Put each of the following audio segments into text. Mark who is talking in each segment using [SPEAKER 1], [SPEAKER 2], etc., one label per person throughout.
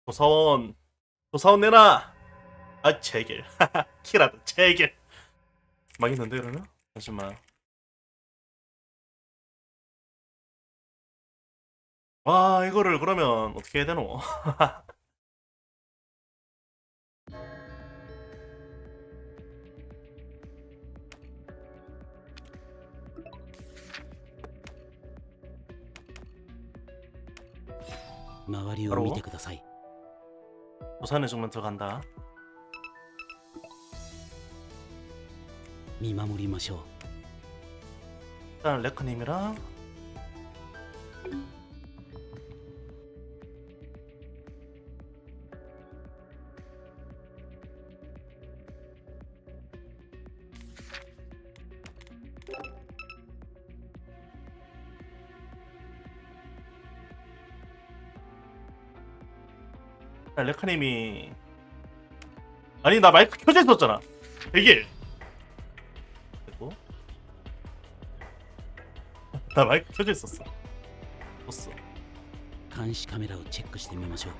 [SPEAKER 1] 조사원 내놔. 아 제길 키라도 제길 망했는데 그러면? 잠시만. 와 이거를 그러면 어떻게 해야 되노? 바로 조사내 중면 들어간다.
[SPEAKER 2] 見守りましょう。
[SPEAKER 1] 일단 레크님이랑 레크님이 아니 나 마이크 켜져 있었잖아. 되게 됐고 나 마이크 켜져 있었어. 떴어.
[SPEAKER 2] 監視カメラをチェックしてみましょう。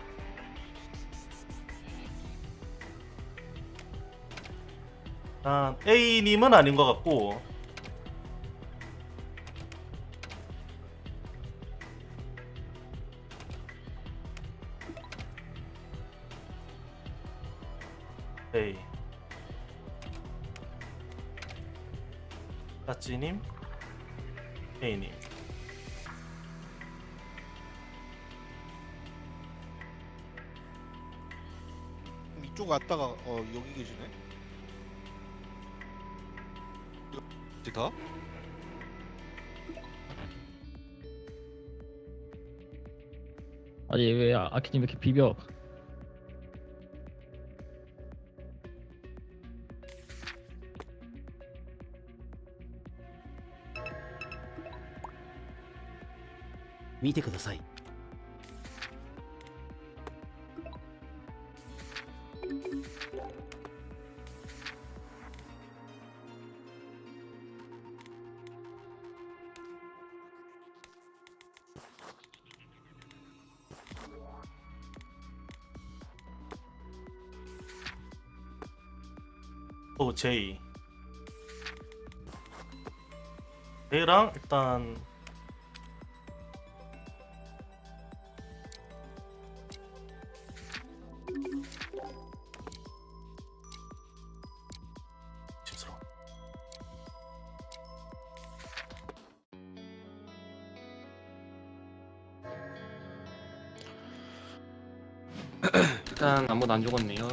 [SPEAKER 1] 일단 A님은 아닌 것 같고 A 따찌님 A님
[SPEAKER 3] 이쪽 왔다가 여기 계시네. 다?
[SPEAKER 4] 아니 왜 아키님 이렇게 비벼?
[SPEAKER 2] 見てください。
[SPEAKER 1] 또 J J랑 일단 심스러워.
[SPEAKER 5] 일단 아무도 안 죽었네요.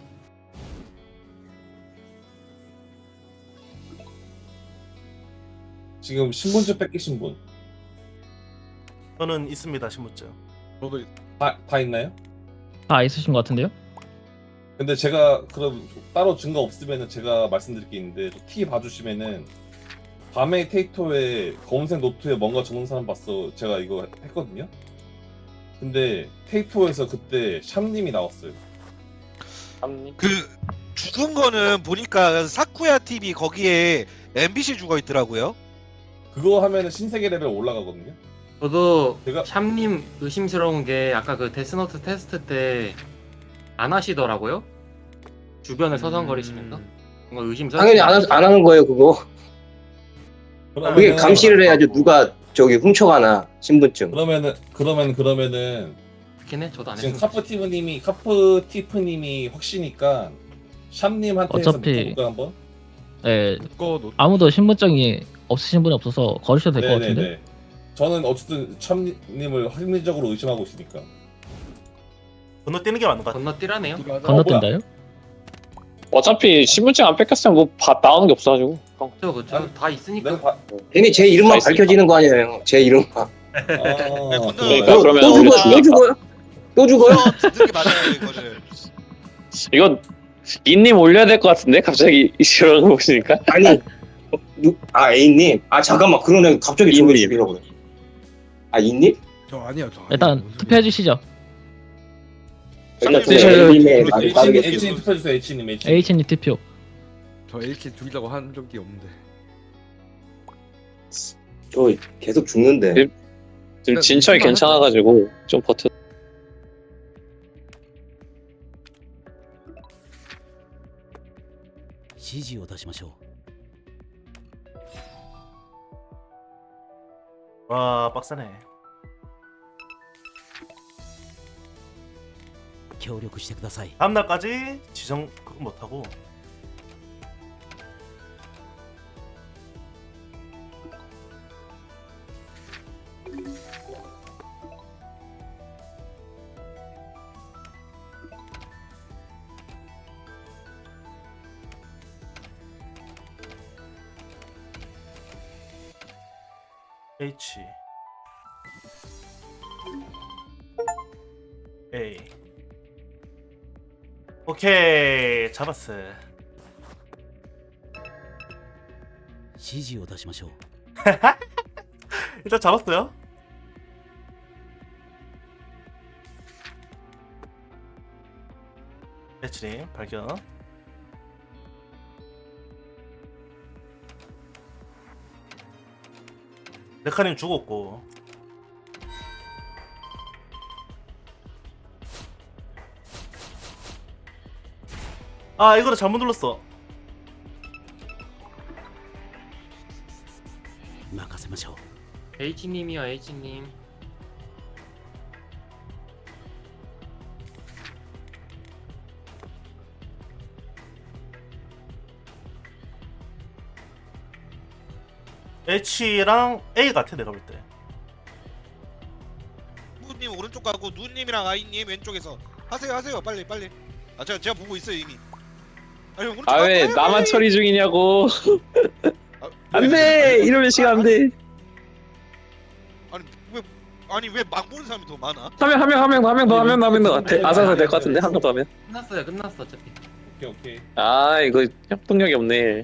[SPEAKER 6] 지금 신분증 뺏기신 분 다
[SPEAKER 1] 저는 있습니다 신분증.
[SPEAKER 3] 저도
[SPEAKER 6] 있나요?
[SPEAKER 4] 다 있으신 것 같은데요?
[SPEAKER 6] 근데 제가 그럼 따로 증거 없으면은 제가 말씀드릴 게 있는데 티 봐주시면은 밤에 테이토에 검은색 노트에 뭔가 적은 사람 봤어. 제가 이거 했거든요. 근데 테이토에서 그때 샴님이 나왔어요.
[SPEAKER 3] 그 죽은 거는 보니까 사쿠야 TV 거기에 MBC 죽어 있더라고요.
[SPEAKER 6] 그거 하면은 신세계 레벨 올라가거든요.
[SPEAKER 5] 저도
[SPEAKER 6] 제가-
[SPEAKER 5] 샴님 의심스러운 게 아까 그 데스노트 테스트 때 안 하시더라고요. 주변을 서성거리시면서 뭔가 의심스러워.
[SPEAKER 7] 당연히 안 하는 거예요, 그거. 그게
[SPEAKER 6] 그러면은-
[SPEAKER 7] 감시를 해야죠. 누가 저기 훔쳐가나, 신분증.
[SPEAKER 6] 그러면은
[SPEAKER 5] 그렇긴 해. 저도 안
[SPEAKER 6] 지금
[SPEAKER 5] 했어요.
[SPEAKER 6] 카프티프님이 확시니까 샴님한테 해서
[SPEAKER 4] 어차피-
[SPEAKER 6] 묶어볼까 한번?
[SPEAKER 4] 네,
[SPEAKER 3] 그거 노...
[SPEAKER 4] 아무도 신분증이 없으신 분이 없어서 걸으셔도 될 것 같은데.
[SPEAKER 6] 네네네. 저는 어쨌든 샴님을 합리적으로 의심하고 있으니까.
[SPEAKER 1] 건너뛰는 게 맞는 것 같아.
[SPEAKER 5] 건너뛰라네요.
[SPEAKER 4] 건너뛴다요?
[SPEAKER 8] 어차피 신분증 안 뺏겼으면 뭐 나오는 게 없어가지고.
[SPEAKER 5] 그렇죠, 그렇죠.
[SPEAKER 6] 아니,
[SPEAKER 5] 다 있으니까.
[SPEAKER 6] 내가
[SPEAKER 7] 괜히 제 이름만
[SPEAKER 8] 있으니까.
[SPEAKER 7] 밝혀지는 거 아니에요. 제 이름만.
[SPEAKER 8] 그러니까
[SPEAKER 7] 또
[SPEAKER 8] 그러면
[SPEAKER 7] 죽어요? 또 죽어요?
[SPEAKER 3] 듣는 게 맞아요 이거를.
[SPEAKER 8] 이건 인님 올려야 될 것 같은데 갑자기 이런 거 보시니까.
[SPEAKER 7] 아니, A님. 아, 잠깐만. 그러네. 갑자기 저를 죽이려고 그래. 아, E님?
[SPEAKER 3] 저 아니요 저.
[SPEAKER 4] 일단 투표해 주시죠.
[SPEAKER 7] 일단
[SPEAKER 8] 네,
[SPEAKER 7] A님의 말을
[SPEAKER 6] H님 투표해주세요. H님.
[SPEAKER 4] H님 투표.
[SPEAKER 9] 저 AK 죽이려고 한 적이 없는데.
[SPEAKER 7] 저 계속 죽는데.
[SPEAKER 8] 지금 진철이 괜찮아가지고 좀 버텨.
[SPEAKER 2] 指示を出しましょ
[SPEAKER 1] 와 빡세네.
[SPEAKER 2] う協力してください
[SPEAKER 1] 다음 날까지 지정 그거 못하고. H A 오케이 잡았어.
[SPEAKER 2] 指示を出しましょう
[SPEAKER 1] 일단 잡았어요. 배치림 발견. 레카님 죽었고. 아 이거를 잘못 눌렀어.
[SPEAKER 2] 任せましょう
[SPEAKER 5] H님이요 H님.
[SPEAKER 1] H랑 A 같아 내가 볼 때.
[SPEAKER 3] 누님 오른쪽 가고 누님이랑 아이님 왼쪽에서 하세요 빨리. 아 제가 보고 있어요 이미. 아니 오른쪽
[SPEAKER 8] 아 왜
[SPEAKER 3] 가고
[SPEAKER 8] 나만
[SPEAKER 3] 해야지.
[SPEAKER 8] 처리 중이냐고.
[SPEAKER 3] 아,
[SPEAKER 8] 안돼 이러면 시간 안돼.
[SPEAKER 3] 아니 왜 막 보는 사람이 더 많아?
[SPEAKER 8] 한 명 더 아사사 될 것 같은데 한 명 더 하면.
[SPEAKER 5] 끝났어 어차피.
[SPEAKER 6] 오케이.
[SPEAKER 8] 아 이거 협동력이 없네.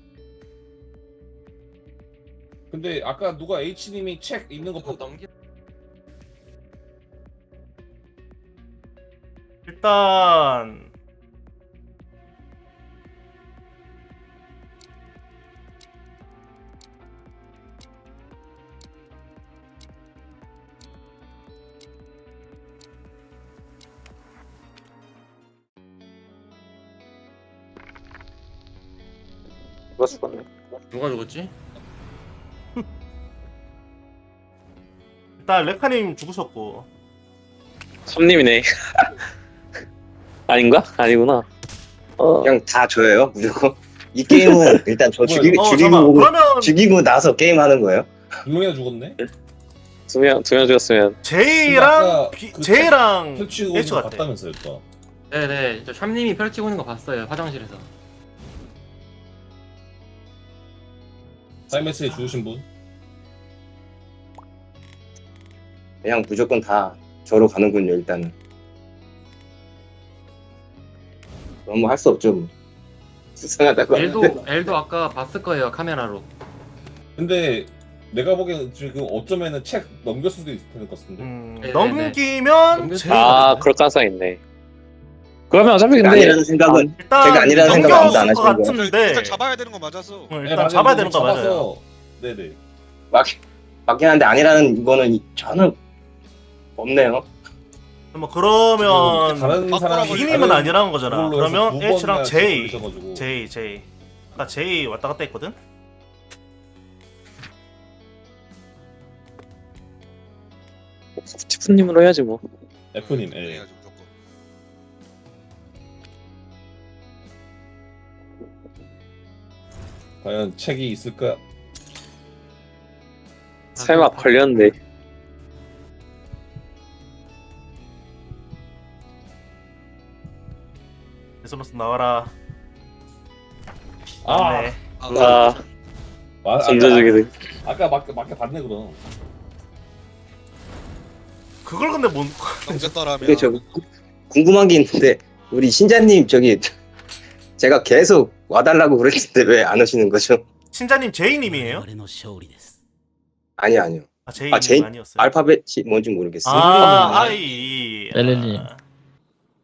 [SPEAKER 6] 근데 아까 누가 H님이 책 있는 거
[SPEAKER 5] 그거
[SPEAKER 6] 봤...
[SPEAKER 5] 넘기.
[SPEAKER 1] 일단
[SPEAKER 8] 누가 죽었네.
[SPEAKER 5] 누가 죽었지?
[SPEAKER 1] 일단 레카님 죽으셨고.
[SPEAKER 8] 섬님이네. 아닌가? 아니구나.
[SPEAKER 7] 그냥 다 줘요 무조건. 이 게임은 일단 저
[SPEAKER 1] 잠깐만.
[SPEAKER 7] 죽이고
[SPEAKER 1] 그러면
[SPEAKER 7] 죽이고 나서 게임 하는 거예요?
[SPEAKER 6] 두 명이나 죽었네?
[SPEAKER 8] 두 명 죽었으면
[SPEAKER 1] J랑
[SPEAKER 6] 아까 그
[SPEAKER 1] J랑
[SPEAKER 6] 펼치고
[SPEAKER 1] H
[SPEAKER 6] 있는 거
[SPEAKER 1] 같아.
[SPEAKER 6] 봤다면서요 또.
[SPEAKER 5] 네네. 저 샴님이 펼치고 있는 거 봤어요 화장실에서.
[SPEAKER 6] 사이메스에 죽으신 분?
[SPEAKER 7] 그냥 무조건 다 저로 가는군요 일단은. 그럼 뭐 할 수 없죠 뭐. 수상하다고 하는데.
[SPEAKER 5] L도 아까 봤을 거예요 카메라로.
[SPEAKER 6] 근데 내가 보기엔 지금 어쩌면은 책 넘겼을 수도 있을 것 같은데.
[SPEAKER 5] 네네네.
[SPEAKER 1] 넘기면
[SPEAKER 5] 넘겼-
[SPEAKER 1] J.
[SPEAKER 8] 아 그럴 가능성 있네. 그러면 어차피 근데
[SPEAKER 7] 아니라는 생각은
[SPEAKER 1] 일단
[SPEAKER 7] 제가 아니라는 생각 아무도 안
[SPEAKER 1] 넘겼을 것
[SPEAKER 7] 하시는 거예요.
[SPEAKER 1] 같은데.
[SPEAKER 3] 일단 잡아야 되는 거 맞았어.
[SPEAKER 1] 일단
[SPEAKER 6] 네, 맞아요.
[SPEAKER 1] 잡아야 되는 거
[SPEAKER 6] 잡아서-
[SPEAKER 1] 맞아요.
[SPEAKER 6] 네네.
[SPEAKER 7] 맞긴 한데 아니라는 거는 저는 없네요.
[SPEAKER 1] 뭐 그러면
[SPEAKER 6] 다른 사람이
[SPEAKER 1] 이님은 아니라는 거잖아.
[SPEAKER 6] 그걸로 해서
[SPEAKER 1] 그러면
[SPEAKER 6] 두
[SPEAKER 1] H랑
[SPEAKER 6] 번이나
[SPEAKER 1] J,
[SPEAKER 6] 걸리셔가지고.
[SPEAKER 1] J. 아까 J 왔다 갔다 했거든.
[SPEAKER 8] 티프님으로 해야지 뭐.
[SPEAKER 6] F님, 예.
[SPEAKER 3] 해야지 무조건.
[SPEAKER 6] 과연 책이 있을까?
[SPEAKER 8] 설마 걸렸는데.
[SPEAKER 1] 데스노스 나와라.
[SPEAKER 6] 아,
[SPEAKER 1] 네.
[SPEAKER 8] 아
[SPEAKER 6] 아,
[SPEAKER 8] 던져주기도.
[SPEAKER 6] 아까 맞게 봤네 그럼.
[SPEAKER 1] 그걸 근데 뭔?
[SPEAKER 3] 넘겼더라면.
[SPEAKER 7] 근데 저 궁금한 게 있는데 우리 신자님 저기 제가 계속 와달라고 그랬는데 왜 안 오시는 거죠?
[SPEAKER 1] 신자님 J님이에요?
[SPEAKER 2] 我々の勝利です
[SPEAKER 7] 아니요.
[SPEAKER 1] 아 J님
[SPEAKER 7] J?
[SPEAKER 1] 아니었어요.
[SPEAKER 7] 알파벳이 뭔지 모르겠어요.
[SPEAKER 1] 아 I.
[SPEAKER 4] 렐렐님.